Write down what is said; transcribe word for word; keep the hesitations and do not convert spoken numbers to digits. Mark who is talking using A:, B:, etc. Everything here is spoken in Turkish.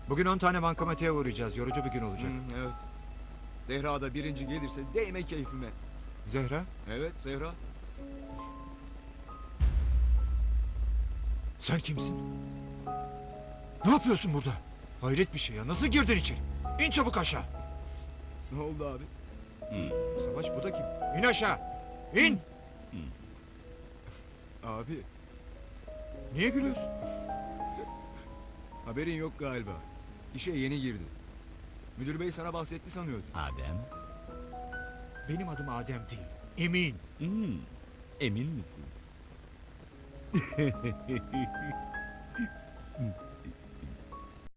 A: Bugün on tane bankamatiğe uğrayacağız. Yorucu bir gün olacak.
B: Hı, evet. Zehra da birinci gelirse değme keyfime.
A: Zehra,
B: Evet Zehra.
A: sen kimsin? Ne yapıyorsun burada? Hayret bir şey ya. Nasıl girdin içeri? İn çabuk aşağı.
B: Ne oldu abi?
A: Savaş, bu da kim? İn aşağı. İn.
B: Abi
A: Niye gülüyorsun?
B: haberin yok galiba. İşe yeni girdi. Müdür bey sana bahsetti sanıyordum.
C: Adem?
A: Benim adım Adem değil. Emin.
C: Hmm, emin misin?